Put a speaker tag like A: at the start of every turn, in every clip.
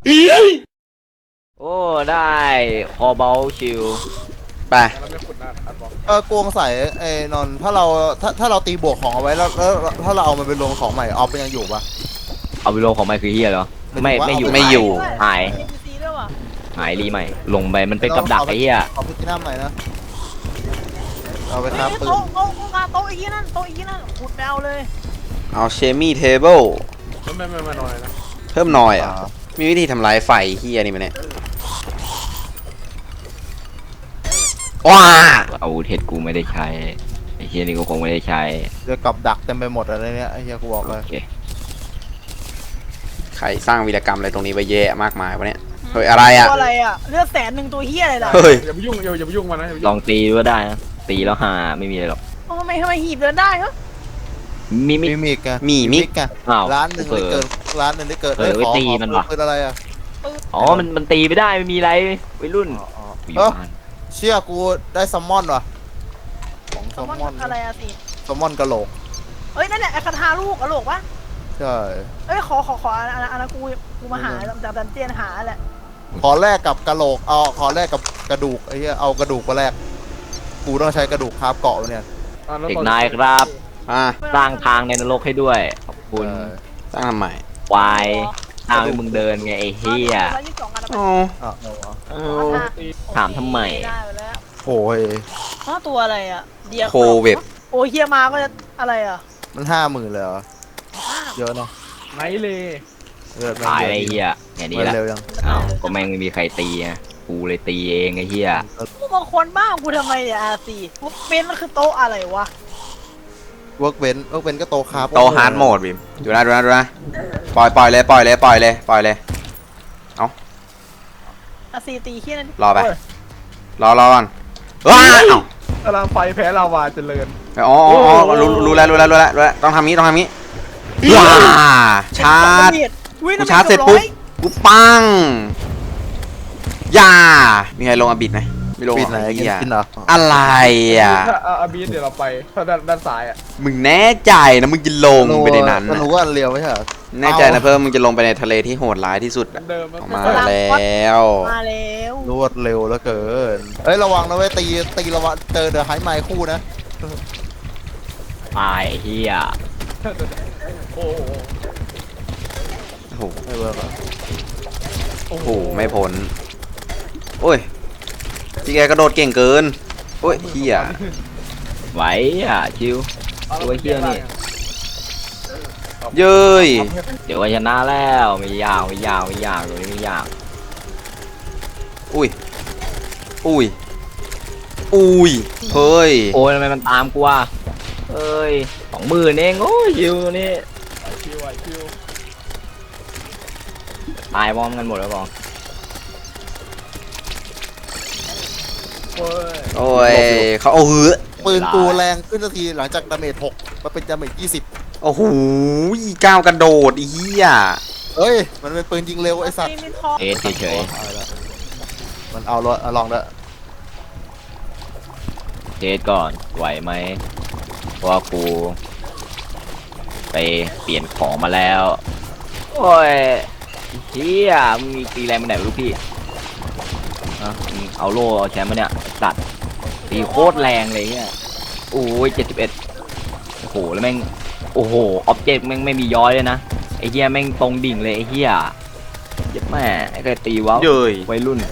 A: โอ้ได้คอเบลชิล
B: ไป
C: กวงใส่ไอ้นนท์ถ้าเราตีบวกของเอาไว้แล้วถ้าเราเอามันไปลงของใหม่ออฟเป็นยังอยู่ปะ
A: เอาไปลงของไมค์คือเฮียเหรอไม่อยู่
B: ไม่อยู่
A: หายหายรีใหม่ลงไปมันเป็นกับดักไอ้เฮีย
C: ขอพิจารณาใหม่นะเอาไปครับปืน
D: โต๊ะอีกนั่นโต๊ะอีกนั่นขุดแมวเลย
B: เอาเชมี่เทเบิล
E: ไม่น้อยนะ
B: เพิ่มหน่อยอ่ะมีวิธีทำลายไฟเฮียนี่มันเนี่ยว้า
A: อาวุธเห็ดกูไม่ได้ใช้ไอ้เฮียนี่ก็คงไม่ได้ใช้
C: เดี๋ยวกับดักเต็มไปหมดอะไรเนี่ยไอ้เหี้ยกูบอกเลย
A: โอเค
B: ใครสร้างวีรกรรมอะไรตรงนี้ไปเยอะมากมายวะเนี่ยเฮ้ยอะไรอ่ะ
D: ตัวอะไรอ่ะเลือด100,000ตัวเฮียอะไรล่ะ
B: เฮ้ย
E: อย่าไปยุ่งอย่าไปยุ่งมันนะอย่าไป
A: ล
E: ยุ่
A: อง งตีก็ได้นะตีแล้วหาไม่มีอะไรหรอก
D: ทำไมหีบเดินได้เหรอ
A: มี
C: มีมิกไง
B: มีมิก
C: ไง
A: อ้าว
C: ร้านหนึ่งได้เกินร้านหนึ่งได้เกิน
A: เออไว้ตีมันว่ะ
C: ปืนอะไรอ่ะ
A: อ๋อมันตีไม่ได้ไม่มีอะไรวัยรุ่นกูอยู่บ้าน
C: เชี่ยกูได้ซัมมอนว่ะของ
D: แซ
C: ซั
D: ล
C: ม
D: มอน
C: มอน
D: อะไรอะสิ
C: ซัมมอนกะโหลก
D: เอ้ยนั่นแหละไอ้คาถาลูกอะโหลกปะ
C: ใช่
D: เอ้ยขออันนั้นกูมาหาจากดันเจียนหาแหละ
C: ขอแลกกับกะโหลกเอาขอแลกกับกระดูกไอ้เหี้ยเอากระดูกมาแลกกูต้องใช้กระดูกคาบเกาะเนี่ย
A: เด็กนายครับ
B: อ่ะ
A: สร้างทางในนรกให้ด้วยขอบคุณ
B: สร้างทำไม
A: วายทางให้มึงเดินไงไอ้เฮีย
D: 122อัน
B: อ๋อ
C: อ่ะ
A: เออถามทำไม
D: ได้ไปแล้ว
C: โอ้ย
D: ตัวอะไรอะเดีย
B: โคเว็บ
D: โอ้เฮียมาก็จะอะไรอะ
C: มัน50,000เลยเหรอเยอะเนาะ
E: ไหนเลย
C: เลือดแม่ง
A: ตาย
C: เย
A: ไอ้
C: อะ
A: เฮียอย่างนี้
C: มัน
A: แหละ
C: เร็วยัง
A: อ้าวก็แม่งไม่มีใครตีไงกูเลยตีเองไอ้เฮีย
D: กูบางคนบ้ากูทำไมเนี่ยอาซีเป็นมันคือโต๊ะอะไรวะ
C: เวิร์กเว้นก็โตคาบ
B: โตฮาร์ดโหมดบิมดูนะปล่อยเลย
D: อาซีตีเฮียนั่น
B: รอไปรอก่อนว้าว
E: ตารางไฟแพ้ลาวาเจริญ
B: อ๋อรู้แล้วต้องทำนี้ว้าชาร์จ กูชาร์จเสร็จปุ๊บ กูปังอย่ามีใครลงอบิดไหมไม่ลง
C: ปิดไหน
B: เหี้ย
C: กินเหรอ
B: อะไรอ่ะ
E: ถ้าอาบีเดี๋ยวเราไปถ้าด้านซ้ายอ่ะ
B: มึงแน่ใจนะมึงจะลงไปในนั้น
C: มัน
B: น่ะ
C: รู้ว่าอันเรียวไม่ใช่เหรอ
B: แน่ใจนะเพิ่มมึงจะลงไปในทะเลที่โหดร้ายที่สุดอะ
E: เดิม
B: ออกมาแล้ว
D: มาแล้ว
C: รวดเร็วแล้วเกินเอ้ยระวังนะเว้ยตีระวังเจอเดอะไฮไมค์คู่นะ
A: ตายไอ้เฮีย
E: โอ้
B: โอ้โห
C: ไม่เวิร์กเหรอ
B: โอ้โหไม่พ้นโอ้ยพี่แกกระโดดเก่งเกินโอ้ยเฮีย
A: ไหวอ่ะชิวตัวเฮียนี่
B: เย้ย
A: เดี๋ยวก็ชนะแล้วไม่ยากตัวนี้ไม่ยาก
B: อุ้ยเฮ้ย
A: โอ้ยทำไมมันตามกูอ่ะเอ้ย20,000เองโอ้ยชิวตัวนี้
E: คิว
A: ตายพร้อมกันหมดแล้วบอง
B: โอ้ยเขาเอาหือ
C: ปืนกูแรงขึ้นทันทีหลังจากดาเมจ6มาเป็นดาเมจ20
B: โอ้โหก้าวกระโดดอีเหี้ย
C: เอ้ยมันเป็นปืนยิงเร็วไอ้สัตว์
D: มีทอง
A: เอเฉย
C: มันเอาลองแล้ว
A: เทสก่อนไหวไหมเพราะว่ากูไปเปลี่ยนของมาแล้วโอ้ยเฮียมึงมีตีแรงมาไหนไม่รู้พี่นะมึงเอาโล่เอาแชมป์มาเนี่ยตัดตีโคตรแรงเลยเนี่ยโอ้ย71โอ้โหแล้วแม่งโอ้โหออบเจกต์แม่งไม่มีย้อยเลยนะไอ้เฮียแม่งตรงดิ่งเลยไอ้เฮียเจ็บแม่ไอ้เคยตีว้าว
B: เย้ย
A: วัยรุ่น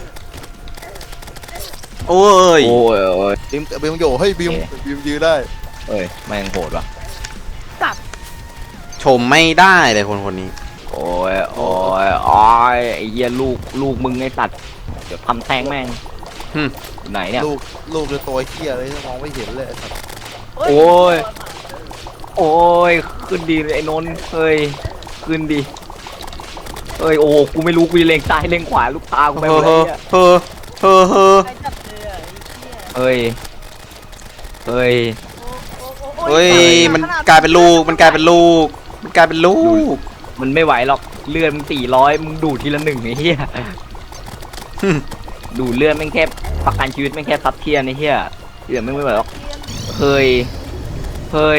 B: โอ้ย
A: โอ้ย
C: บิมโยเฮ้ยบิมยืนได้
A: เอ้ยแม่งโหดว่ะ
B: ชมไม่ได้เลยคนนี้
A: โอ้ยไอ้เหี้ยลูกมึงไอ้สัตว์เดี๋ยวทำแทงแม่งอยู่ไหนเนี่ย
C: ลูกเป็นตัวเหี้ยเลยมองไม่เห็นเลยไอ้สัตว์
A: โอ้ย โอ้ยขึ้นดีไอ้นนท์เฮ้ยขึ้นดีเอ้ยโอ้กูไม่รู้กูจะเล็งซ้ายเล็งขวาลูกตากูไปหมดเลยเนี่ย
B: เฮ้อ
D: ใครจับเลยอ่ะ
A: เฮ้ย
B: เฮ้ยมันกลายเป็นลูก มัน
A: ไม่ไหวหรอกเลือดมึง400มึงดูดทีละ1ไอ้เหี้ยดูดเลือดแม่งแค่ประกันชีวิตแม่งแค่ซับเทียนไอ้เหี้ยเลือดไม่ไหวหรอกเฮ้ย
B: โอ้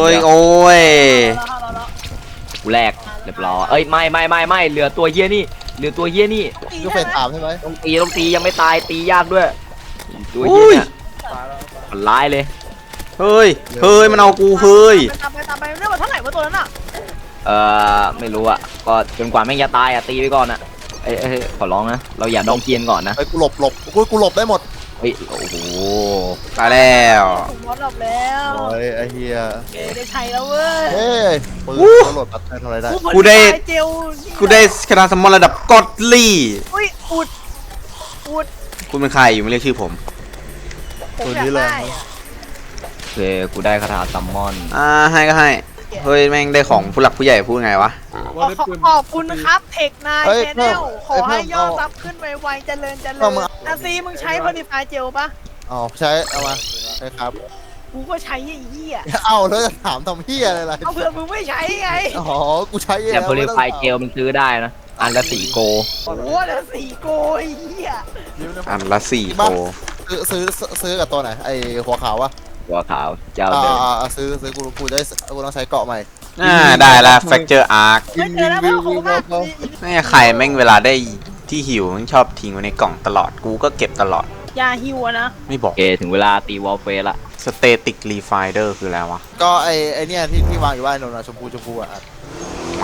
B: ย
A: กูแรกเรียบร้อยเอ้ยไม่เหลือตัวเฮียนี่เดี๋ยวตัวเฮี้ยนี่
C: ก็เฟสถามใช่ไหม
A: ต้องตียังไม่ตายตียากด้วยตัวเฮี้ยเนี่ย
E: ตายแล้ว
A: มันร้ายเลย
B: เฮ้ยมันเอากูเฮ้ย
D: ตามไปเรื่องมันเท่าไหร่วะตัวนั้นอ่ะ
A: ไม่รู้อ่ะก็จนกว่าแม่งจะตายอ่ะตีไปก่อนอ่ะเอ้ยขอร้องนะเราอย่าดองเกียนก่อนนะ
C: ไอ้ยกูหลบกูหลบได้หมด
A: เฮ้ยโอ้โห
B: ตายแล้ว
D: ผมวอดหลบแล้ว
C: โอ้ยไอ้เฮีย
D: ได้ใช้แล้วเว้ย
C: เฮ้ยปืนกูโหลดปัดทำอะไรได้
B: กูได้
D: เจล
B: กูได้คณะสมอนระดับกอดลี่
D: อุ้ยอุด
B: คุณเป็นใครอยู่ไม่เรียกชื่อผม
D: ผมอยากได้อะ
A: โอเคกูได้คาถาซัมมอน
B: ให้ก็ให้เฮ้ยแม่งได้ของผู้หลักผู้ใหญ่พูดไงวะ
E: ว่าได้ปืน
D: ขอบคุณครับเทคนายแชนแนลขอให้ยอดซับขึ้นไวๆเจริญอาซีมึงใช้พอดีไฟเจลปะ
C: อ๋อใช้เอามาใช่ครับ
D: กูก็ใช้ไอ้เหี้ย
C: เอาแล้วจะถามทำเฮียอะไรล่ะ
D: เอาเผื่อมึงไม่ใช้ไง
C: อ๋อกูใช้เอง
A: แต่โพลิไฟเจลมันซื้อได้นะอันละ4 โก
D: โอ้โหแล้ว4 โกไอ้เหี้ย
B: อันละ4 โก
C: ซื้อกับตัวไหนไอ้หัวขาววะ
A: หัวขาวเจ้าเดิม
C: ซื้อกูได้กูต้องใช้เกาะใหม่
B: ได้ละแฟกเจอร์อาร์ค
D: ไม่เจอแล้วพ่อขอบคุณมาก
B: แม่ใครแม่งเวลาได้ที่หิวมันชอบทิ้งไว้ในกล่องตลอดกูก็เก็บตลอด
D: ยาฮิวอะนะ
B: ไม่บอ
A: โอก เคถึงเวลาตีวอลเฟสละ
B: สเตติกรีไฟเดอร์คืออะไรวะ
C: ก็ไอ้เนี่ยที่วางอยู่บ้านนนท์ชมพูอ่ะ
B: แหวน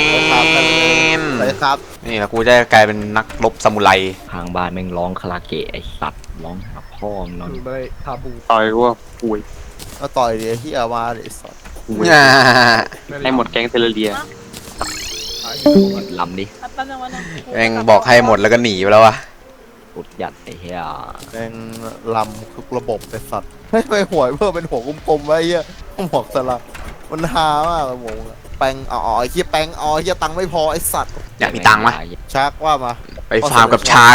C: ใส่ครับ
B: นี่แล้วกูจะกลายเป็นนักรบซามูไร
A: ทางบ้านแม่งร้องคาราเกะไอสัตว์ร้องหาพ่อมงนอน
E: ปืนไปทาบู
F: ต่อยว่าป่วย
C: มาต่อยดิที่เอามาดิสัตว์
F: ป่วยให้หมดแก๊งเทเลเรีย
A: ลำดิ
D: แป๊บนึงวันนึง
B: แม่งบอกให้หมดแล้วก็หนีไปแล้ววะ
A: ปุดยัดไอ้เหี้ย
C: แม่งลำทุกระบบไอ้สัตว์ไม่หวยเพิ่มเป็นหัวกลมๆไว้เหี้ยหมวกสลับมันฮามากเลยหมงแปงไอ้เหี้ยแปงไอ้เหี้ยตังค์ไม่พอไอ้สัตว์
B: อยากมีตังค์ไหม
C: ชักว่ามา
B: ไปฟาร์มกับชาร์ก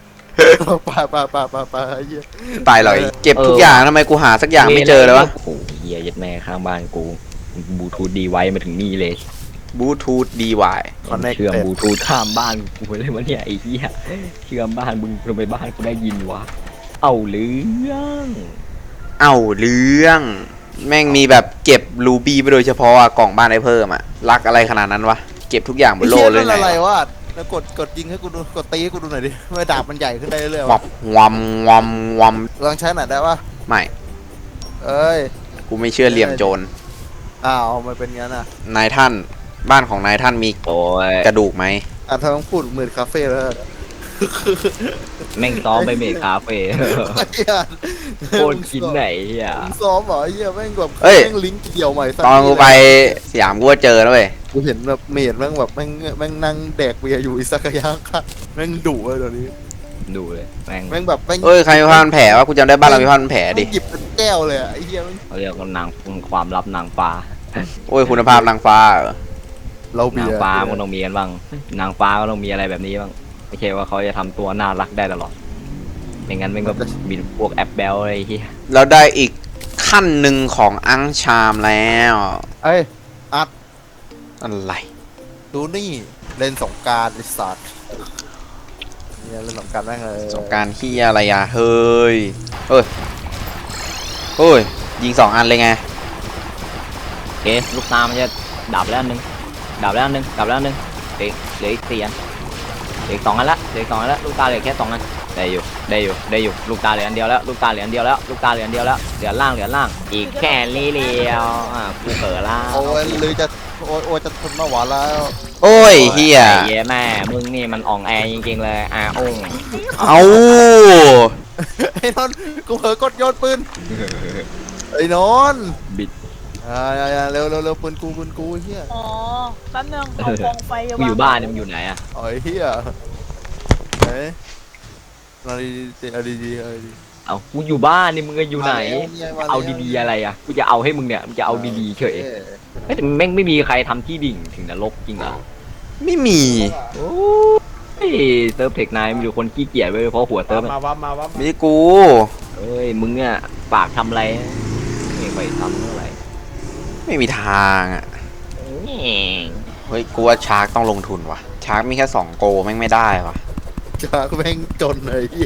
C: ไปไอ้เหี้ย
B: ตายเลยเก็บทุกอย่างทำไมกูหาสักอย่างไม่เจอเลยวะ
A: โอ้โหเหี้ยยัดแม่ข้างบ้านกูบลูทูธดีไว้มาถึงนี่เลย
B: บลูทูธดีวาย
A: เชื่อมบลูทูธข้ามบ้านกูเลยวะเนี่ยไอ้เหี้ยเชื่อมบ้านมึงทำไมบ้านกูได้ยินวะเอาเรื่อง
B: เอ้าเรื่องแม่งมีแบบเก็บรูบี้ไปโดยเฉพาะอะกล่องบ้านได้เพิ่มอะรักอะไรขนาดนั้นวะเก็บทุกอย่างบนโลกเลย
C: ไง
B: ไง
C: อะไรวะแล้วกดยิงให้กูดูกดตีให้กูดูหน่อยดิไม่ดาบมันใหญ่ขึ้นได้เรื่อยๆ
B: วั
C: วะ
B: บวัมวัมวัม
C: ลองใช้หน่อยได้ปะ
B: ไม่
C: เอ้ย
B: กูไม่เชื่อเหลี่ยมโจร
C: อ้าวมันเป็นงั้นอ่ะ
B: นายท่านบ้านของนายท่านมี
A: โอ้ย
B: กระดูกไหม
C: ถ้าต้องพูดเหมือนคาเฟ่แล้ว
A: แม่งซ้อมไปเมคคาเฟ่ โคตรกินไหนเหี้ย
C: ซ้อมเหรอไอ้เหี้ยแม่งแบบ
B: เอ้ย
C: แม่งลิงก์เดี่ยวใหม่สั
B: ตอนกูไปสยามกูก็เจอแล้วเว้ย
C: กูเห็นแบบเมดแม่งแบบแม่งนั่งแดกเบียร์อยู่อิซากายะค่ะแม่งดุเลยเดี๋ยวนี้
A: ดูเลยแม่ง
C: แม่งแบบแม่ง
B: เอ้ยใครมีผ้าพันแผลวะกูจำได้บ้านเรามีผ้าพันแผลดิ
C: แม่งหยิบเป็นแก้วเลยอะไอ้เหี้ยแม่ง
A: เขาเรียกว่านางความลับนางฟ้า
B: โอ้ยคุณภาพนางฟ้าเหรอ
C: เราเบี
A: นาง
C: ยร์
A: ฟ้ามันต้องมีกันบ้างนางฟ้าก็ต้องมีอะไรแบบนี้บ้างไม่ใช่ว่าเขาจะทำตัวน่ารักได้ตลอดไม่งั้นมันก็มีพวกแอปเบลอะไรที่
B: เราได้อีกขั้นหนึ่งของอังชามแล้ว
C: เอ้ย
B: อะไร
C: ดูนี่เล่นสงกรารไอ้สัตว์เนี่ยเล่นสงกรารแม่งเลย
B: สงกรารที่อะไรอะเฮ้ยเฮ้ยเฮ้ยยิง2 อันเลยไง
A: โอเคลูกตามันจะดับแล้วอันนึงดับแล้วอันนึงดับแล้วอันนึงเหลืออีก4 อันเหลืออีก2 อันละเหลืออีก2 อันละลูกตาเหลือแค่2 อันได้อยู่ลูกตาเหลืออันเดียวแล้วลูกตาเหลืออันเดียวแล้วลูกตาเหลืออันเดียวแล้วเหลือล่างอีกแค่นี้เดียวกูเผลอล่าง
C: โอ้ยหรือจะโอ้ยจะทนไม่ไหวแล้ว
B: โอ้ยเฮีย
A: ไอ้เหี้ยแม่มึงนี่มันอ่องแอจริงๆเลยอง
B: เอา
C: ไอ้นนท์กูเผลอกดโยนปืนไอ้นนท์
A: บิด
C: เร็วปืนกูเฮีย
D: อ๋อแป๊บนึงเอากองไฟ
A: กูอยู่บ้านเนี่ยมึงอยู่ไหนอะ
C: ไอ้เฮียเฮ้ยมาดีๆ
A: เอากูอยู่บ้านนี่มึงอยู่ไหนเอาดีๆอะไรอะกูจะเอาให้มึงเนี่ยมึงจะเอาดีๆเฉยเฮ้ยแต่แม่งไม่มีใครทำที่ดิ่งถึงนรกจริงเหรอ
B: ไม่มี
A: โอ้ยเซิร์ฟเทคนายมันอยู่คนขี้เกียจเว้ยเพราะหัวเซิร์ฟ
E: มาวับมาวับ
B: ไม่ใช่กู
A: เอ้ยมึงเนี่ยปากทำอะไรไม่ไปทำเท่าไหร่
B: ไม่มีทางอะเฮ้ยกูว่าชาร์กต้องลงทุนว่ะชาร์กมีแค่2 โกแม่งไม่ได้ว่ะ
C: จากแม่งจนเลยเฮีย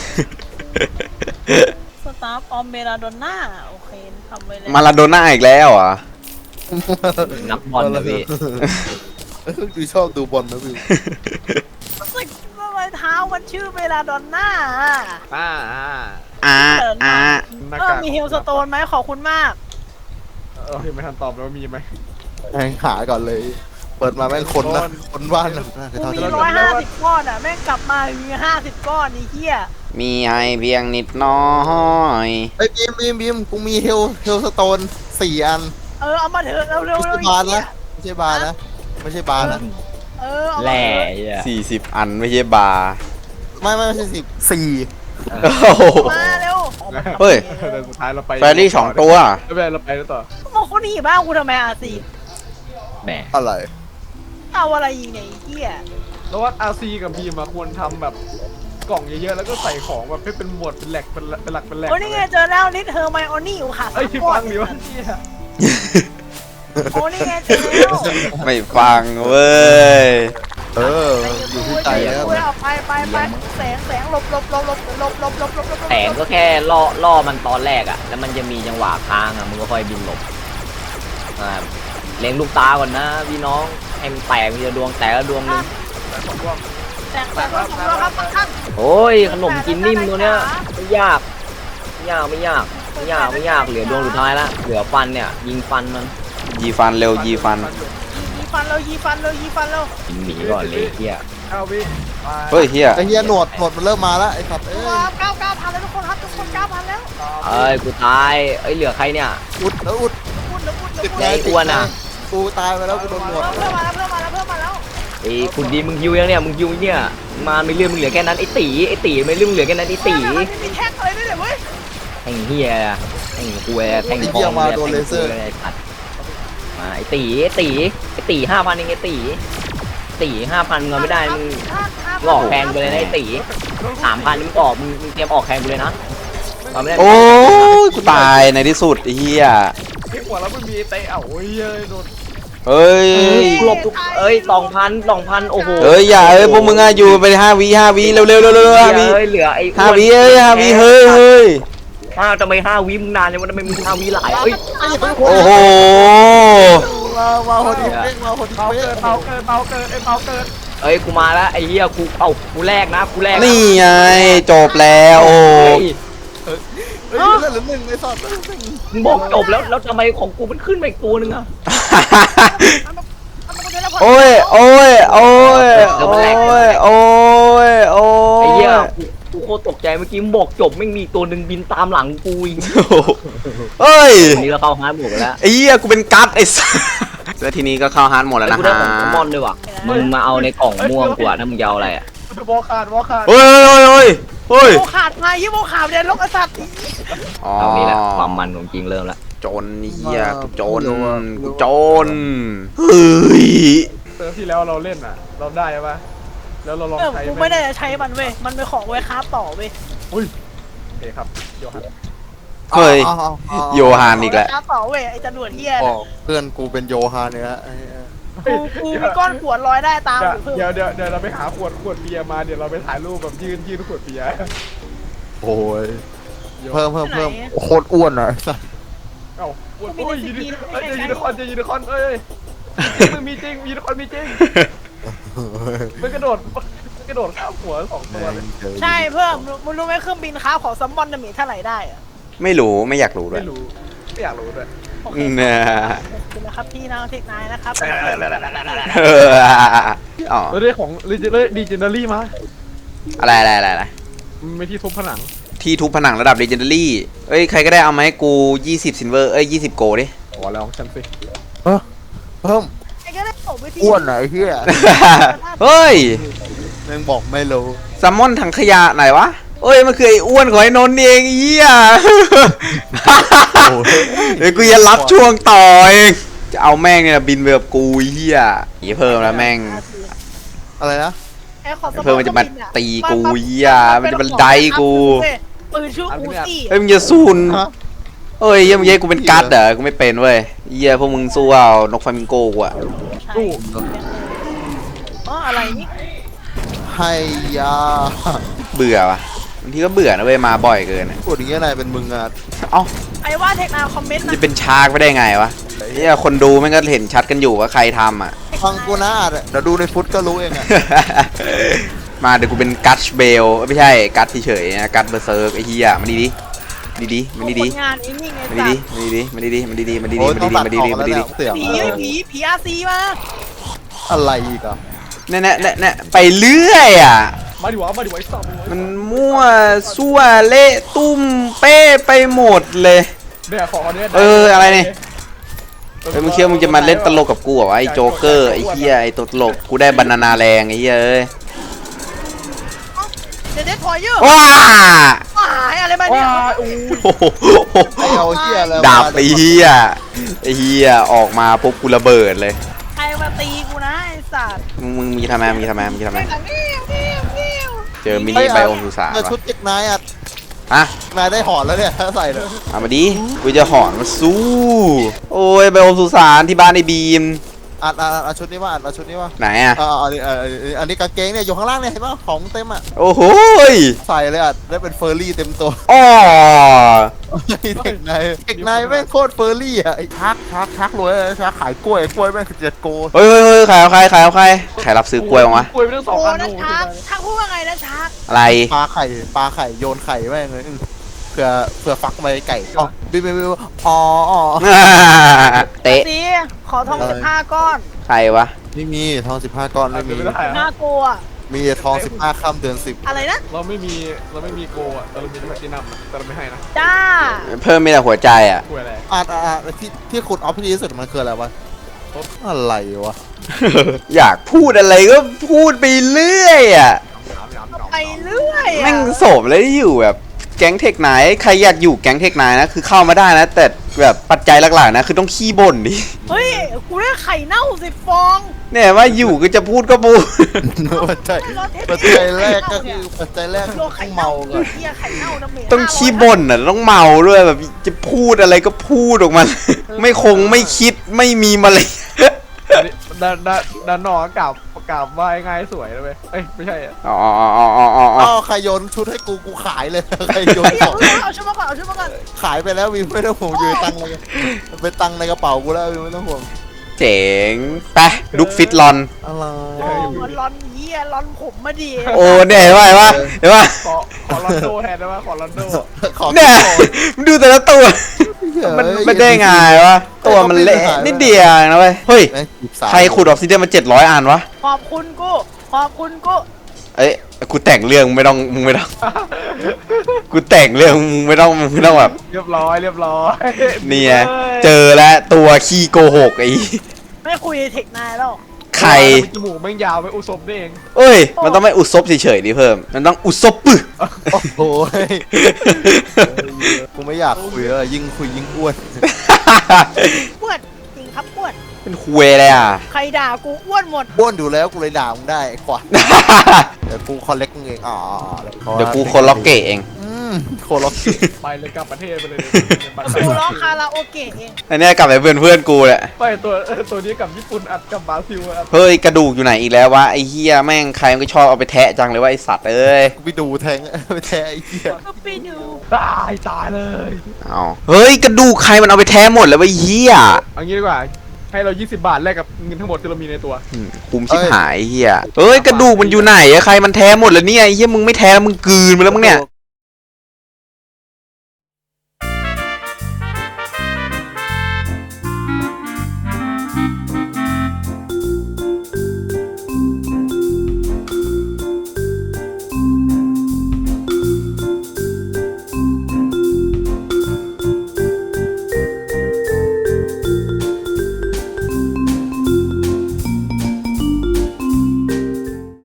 D: สตาร์ฟออมเมลาโดน่าโอเคทำไว้แล้ว
B: มาลาโดน่าอีกแล้วเหรอ่ะ
A: นักบอลนะพี่
C: ดูชอบดูบอลนะพี่
D: อยเท้ามันชื่อเวลาดอนน่า
E: อ่า
B: ห
E: หน้าาก
D: เอกอมีเฮลสโตนไหมขอบคุณมาก
E: ยังไม่ทันตอบแล้วมีไหม
C: แม่งหาก่อนเลย เปิดมาแม่งคนนะคนบ้านน่ะน่าจะ
D: กู
C: เท่า
D: มี
C: ที่
D: 150 ก้อนอ่ะแม่งกลับมามี50 ก้อนไอ้เหี้ย
B: มีให้เพียงนิดน้อย
C: ไอ้ยบีมกูมีเฮลสโตน4 อัน
D: เอามาเถอะเร็ว
C: ไม่
D: ๆ
C: ใช่บาร์นะไม่ใช่บาร์นะไม่ใช่บาร์นะ
D: เอามา
A: แหล่
D: เถอะ
A: เหี้ย
B: 40 อันไม่ใช่บาร์
C: ไม่ใช่4
B: โอ้โห
D: มาเร็ว
B: เฮ้ย
E: แต่สุดท้ายเราไป
B: แฟรี่2 ตัว
E: ไม่เป็นไรเราไปแล้วต่อ
D: มาคนหนีบ้างกูทำไมอ่ะสิ
A: แหม
C: อะไร
D: เอาอะไรอีกเนี่ยไอ้เหี้ย
E: แล้วว่าอาซีกับบีมควรทำแบบกล่องเยอะๆแล้วก็ใส่ของแบบให้เป็นหมวดเป็นแหลกเป็นหลักเป็นแหลก
D: โอ้นี่ไงเจอแล้วนิดเฮอร์ไมโอนี่อยู่ค่ะ
E: เอ้ยที่ฟังดิวะ
D: โอ้นี่ไงเจอแล้ว
B: ไม่ฟังเว้ย
C: อยู่ที่ใจแล้ว
D: เอาไปแสงหลบ
A: แต่ก็แค่ล่อมันตอนแรกอ่ะ แล้วมันจะมีจังหวะค้างอ่ะมึงก็ค่อยบินหลบเล็งลูกตาก่อนนะพี่น้องให้มันแตกมีดวงแตกแล้วดวงหนึง
D: แสงหลบครับข้าง
A: โอ้ยขนมกินนิ่มตัวเนี้ยไม่ยากเหลือดวงสุดท้ายละเหลือฟันเนี่ยยิงฟันมัน
B: ยีฟันเร็วยีฟัน
D: ยีฟันเรา
A: ยิงหนีก่อนเลยเฮีย
E: เอาวิ
B: เฮ้ยเฮีย
C: ไอ้เหี้ยหนวดมันเริ่มมาแล้วไอ้สัตว์เอ้ย
D: 9,000แล้วทุกคนครับทุกคน 9,000แล้ว
A: เอ้ยกูตายเอ้ยเหลือใครเนี่ย
C: อุดแล้วอุด
D: พูด
A: ไอ้อ้วนอะ
C: กูตายไปแล้วกูโดนหนวด
D: เพิ่มมาแล้ว
A: ไอ้คุณดีมึงฮิวยังเนี่ยมึงฮิวเนี่ยมาไม่เรื่องมึงเหลือแค่นั้นไอ้ตีไม่เรื่องมึงเหลือแค่นั้นไอ้ตี
D: ไม่มีแท็กอะไรด้วยเลยเว้ย
A: แทงเฮียแทงกูแทงทองมาไอ้ตี5,000เองไอ้ตี5,000เงินไม่ได้มึงหลอกแพงไปเลยนะไอ้ตี3,000มึงออกมึงเตรียมออกแพงไปเลยนะตอนไม่ได้
B: โอ้ยกูตายในที่สุดไอ้เฮีย
E: ที่หัวแล้วมันมีเตะโอ้ยโดน
B: เฮ้ย
A: หลบทุก2,000โอ้โห
B: เฮ้ยอย่าพวกมึงอะอยู่ไป5 วิเร็ว5 วิ
A: เหลือไอ้
B: 5 วิ5 วิเฮ้ย
A: ทำไม5 วิมึงนานจังวะทำไมมึง5 วิหลายเอ้ย
B: โอ้โห
C: มาคนที่เป้งมาคนที่
E: เบา
C: เป้
E: เกิ
C: ง
E: นเบาเกินเบาเกินเบาเกิน
A: เอ้ยกูมาแล้วไอ้เหี้ยกูแรกนะ
B: นี่ไงจบแล้วโอ้
C: เฮ้ยเลือดเหลือ1ไอ้สัตว์
A: มึงบอกจบแล้วทำไมของกูมันขึ้นมาอีกตัวนึงอะ
B: โอ้ยโอ้ยไอ้
A: เหี้ยกูโคตรตกใจเมื่อกี้มึงบอกจบไม่มีตัวหนึ่งบินตามหลังกูอีก
B: เฮ้ย
A: ทีนี้เราเข้าฮาร์ดหมดแล้ว
B: ไอ้เหี้ยกูเป็นกั๊ดไอ้สัสแล้วทีนี้ก็เข้าฮาร์ดหมดแล้วนะ
A: กูได้
B: ฮะ
A: ของซัมมอนด้วยว่ะมึงมาเอาในกล่องม่วงกูอะถ้ามึงจะเอาอะไรอะ
E: วอขาด
B: เฮ้ย
D: โมขาดมายี่โมขาดเนี่ยลกไอ้สัตว์
A: เอานี่แหละความมันของจริงเริ่มแล้ว
B: จนเหี้ยกูจนเฮ้ย
E: เติมที่แล้วเราเล่นอ่ะเราได้ปะแล้วเราลองใช้
D: กูไม่ได้ใช้มันเว้ยมันเป็นของไว้คราฟต่อเว้ย
E: โอเคครับโยฮัน
B: เฮ้ยโยฮานอีกแล้ว
D: คราฟต่อเว้ยไอ้จรวดเฮีย
C: เพื่อนกูเป็นโยฮานเนี่ย
D: กูมีก้อนขวดลอยได้ตามอยู่เพิ่ม
E: เดี๋ยวเราไปหาขวดเบียร์มาเดี๋ยวเราไปถ่ายรูปแบบยืนขวดเบียร์
C: โอ้ยเพิ่มโคตรอ้วนอ่ะ
E: เอ้าขวดโอ้ยยูนิคอนเอ้ยมึงมีจริงยูนิคอนมีจริงมันกระโดดข้ามหัว2 ตัวเลย
D: ใช่เพิ่มมึงรู้ไหมเครื่องบินคราฟของซัมมอนจะมีเท่าไหร่ได้อะ
B: ไม่รู้ไม่อยากรู้ด้วย
E: ไม่รู้ไม่อยากรู้ด้วย
D: โอเค
B: เนี่ย
D: ขอบคุณนะครับพี่นางเทคนายนะครับ
B: อ๋อ
E: เราได้ของดีเจนเนอรี่มา
B: อะไร
E: ไม่ที่ทุบผนัง
B: ที่ทุบผนังระดับ Legendary เอ้ยใครก็ได้เอามาให้กู20 Silver เอ้ย20 โกดิ
E: ขอแล้วของฉันสิ
C: เพิ่ม
D: ไอ้ก็ได้บอกวิธี
C: อ้วนอ่ะไอ้เหี้ย
B: เฮ้ย
C: แม่งบอกไม่รู้
B: ซัมมอนถังขยะไหนวะเอ้ยมันคือไอ้อ้วนของไอ้นนท์เองไอ้เหี้ยเดี๋ยวกูจะรับช่วงต่อเองจะเอาแม่งเนี่ยบินไปกับกูไอ้เหี้ยอีเพิ่มแล้วแม่ง
C: อะไรนะ
D: ไอ้ของซัมมอน
B: เพิ่มมันจะมาตีกูเหี้ยมันจะมาไดกู
D: ปืนชื่ออูซี่
B: เฮ้ยมึงจะสู้นเอ้ยเหี้ยมึงเย้กูเป็นกั๊ดเหรอกูไม่เป็นเว้ยเหี้ยพวกมึงสู้เอานกฟลามิงโก้กูอะ
E: ตู้
D: อ๋ออะไรนี่
C: ให้ยา
B: เบื่อวะบางทีก็เบื่อนะเว้ยมาบ่อยเกินอะ
C: พูดอย่างเงี้ยนายเป็นมึงอ่ะ
B: เอ้า
D: ไอ้ว่าเทคนาคอมเมนต์
B: จะ
D: นะ
B: เป็นชาร์กไปได้ไงวะเหี้ยคนดูแม่งก็เห็นชัดกันอยู่ว่าใครทำอะ
C: ฟังกูนะเดี๋ยวดูในฟุตก็รู้เองอ่ะ
B: มาเดี๋ยวกูเป็นกัตชเบลไม่ใช่กัตเฉยๆนะกัตเบอร์เซิร์กไอ้เหี้ยมันดีมันดี
D: งานนิ่งๆไง
B: มันดีมันดีมันดีมันดี
C: โอ้ย
B: มัน
C: ต้อง
B: ดี
C: ตัด
B: มัน
C: อ
B: ดี
C: อก
B: มัน
C: แล้ว
B: ดี
C: เนี่ยเสียง
D: ผีอาซีมา
C: อะไรอีกอ่ะ
B: เนี่ยไปเรื่อยอ่ะ
E: มาดิวะไอ้สัตว์
B: มันมั่วซั่วเละตุ้มเป้ไปหมดเลย
E: เนี่ยของอันเนี้ย
B: อะไรเนี่ยเฮ้ยมึงเชื่อมึงจะมาเล่นตลกกับกูเหรอไอ้โจ๊กเกอร์ไอ้เหี้ยไอ้ตัวตลกกูได้บานานาแรงไอ้เหี้ยเอ้ย
D: เด็ดพอเยอะ
B: ว้า
D: หายอะไรมาเนี่ย
E: ว้าอู้
B: โอ้โห
C: ไอ้เอาเหี้ยอะไร
B: ดาบไอ้เหี้ยไอ้เหี้ยออกมาปุ๊บกูระเบิดเลย
D: ใครมาตีกูนะไอ้สัตว์
B: มึงจะทำไมเจอมิ
C: เฮ้
B: นิ
C: ย
B: ไบโอมสุสาน
C: เออชุด
B: วะ
C: เด็กนายอ่ะ
B: ฮะ
C: นายได้หอนแล้วเนี่ยถ้าใส่เลย
B: เอามาดิกูจะหอนมาสู้โอ้ยไบโอมสุสานที่บ้านไอ้บีม
C: อัดชุดนี้ว่าอัดชุดนี้ว่า
B: ไหนอ่ะ
C: อันนี้กางเกงเนี่ยอยู่ข้างล่างเนี่ยเห็นป่ะของเต็มอ่ะ
B: โอ้โหย
C: ใส่เลยอ่ะได้เป็นเฟอร์รี่เต็มตัว
B: อ๋อ
C: เด็กนายแม่งโคตรเฟอร์รี่อ่ะไอ้ชักรวยชักขายกล้วยแม่ง7 โก
B: เฮ้ยขายเอาใครใครรับซื้อกล้วยมั้งวะ
E: กล้วยไปทั้งสอง
D: โอ้
E: อัน
D: นะชักชักพูดว่าไงนะชัก
B: อะไร
C: ปลาไข่โยนไข่แม่งเลยเผื่อฟักไว้ไก่อ๋อบิ๊อ๋อ
B: เตะ
D: สีขอทอง15 ก้อน
B: ใครวะ
C: ไม่มีทอง15 ก้อนไม่มี
E: ไม่ได้
D: น่า
E: อะ
D: กลัว
C: มีทอง15 ค่ำเดือน 10
D: อะไรนะ
E: เราไม่มีโกอ่ะแต่เรามีแพลตินัมแต่เราไม่ให้นะ
D: จ้า
B: เพิ่มมีแต่หัวใจอ่ะ
E: กล้วยอะไร
C: ที่ขุดออฟที่ดีที่สุดมันคืออะไรวะอะไรวะ
B: อยากพูดอะไรก็พูดไปเรื่อยอ่ะ
D: ไปเรื่อยอะ
B: แม่งโสมเลยที่อยู่แบบแก๊งเทคไนท์ใครอยากอยู่แก๊งเทคไนท์นะคือเข้ามาได้นะ แต่แบบปัจจัยหลักๆนะคือต้องขี้บ่นดิ
D: เฮ้ยกูได้ไข่เน่า10 ฟอง
B: เนี่ยว่าอยู่ก็จะพูดก็พูด
C: ปัจจัยแรกก็คือปัจจัยแรก
D: โลไข่
C: ต้อง
D: เน่า
C: เมาก่อน
D: เฮียไข่เน่าน้ำเม
B: ต้องขี้บ่นอ่ะต้องเมาด้วยแบบจะพูดอะไรก็พูดออกมา ไม่คงไม่คิดไม่มีมาเลย
E: ด้านนอกกราบว่าง่ายสวยเลยเว้ยเอ้ยไม่ใช่อ่ะ
B: อ๋อ
C: อ้าวใครโยนชุดให้กูขายเลยใครโยน
D: เฮ้ย
C: ของ
D: เอาชุดมาก่อนเอาชุดมาก่อน
C: ขายไปแล้ววิวไม่ต้องห่วงอยู่ตังค์เลยเป็นตังค์ในกระเป๋ากูแล้ววิวไม่ต้องห่วง
B: เจ๋งไปดุกฟิตลอน
C: อะไร
D: โอ้มันร้อนเฮียร้อนผมมาดี
B: โอ้เนี่ยเห็นป่ะ
E: ขอลอนโดแทนได้ไหมขอลอนโด
C: ขอ
B: เนี่ยมึงดูแต่ละตัว มันไม่ได้ไงวะตัวมันเละนิดเดียวนะเว้ยเฮ้ยใครขุดออกซิเดียนมา700 อันวะ
D: ขอบคุณกูขอบคุณกู
B: เอ้ยกูแต่งเรื่องมึงไม่ต้องกูแต่งเรื่องมึงไม่ต้องแบบ
E: เรียบร้อย
B: เนี่ยเจอแล้วตัวขี้โกหกไอ้
D: ไม่คุยเทคนายแล้ว
B: ใคร
E: จมูกแม่งยาวไปอุศบนี่เอง
B: เอ้ยมันต้องไม่อุศบเฉยๆดิเพิ่มมันต้องอุศบปึ
C: โอ้โหกูไม่อยากคุยแล้วยิ่งคุยยิ่งอ้วน
D: อ้วนจริงครับอ้วน
B: เป็นคุยเลยอ่ะ
D: ใครด่ากูอ้วนหมด
C: อ้วนอยู่แล้วกูเลยด่ามึงได้ไอ้ขวานเดี๋ยวกูคอลเลกมึงเองอ๋อ
B: เดี๋ยวกูคนล็อกเกะเอง
C: โคล็อก
E: ไปเลยกลับประเทศไปเลย
D: กูร้องคาราโอเกะเอง
B: อันเนี้ยกลับไปเพื่อนกูแหละ
E: ไปตัวนี้กับญี่ปุ่นอัดกับบราซิลอัด
B: เฮ้ยกระดูกอยู่ไหนอีกแล้ววะไอ้เฮียแม่งใครมันก็ชอบเอาไปแทะจังเลยว่าไอ้สัตว์เอ้ย
C: กูไปดูแทงไปแทงไอ้เหี้ย
D: ก็ไปดู
E: ตายเลย
B: เอาเฮ้ยกระดูกใครมันเอาไปแทะหมดแล้ววะไอ้เฮีย
E: เอางี้ดีกว่าให้เรา20 บาทแลกกับเงินทั้งหมดที่เรามีในตัว
B: คุ้มชิบหายไอ้เฮียเฮ้ยกระดูกมันอยู่ไหนอะใครมันแทะหมดแล้วเนี่ยไอ้เฮียมึงไม่แทะแล้วมึงกลืนไปแล้วมึงเนี่ย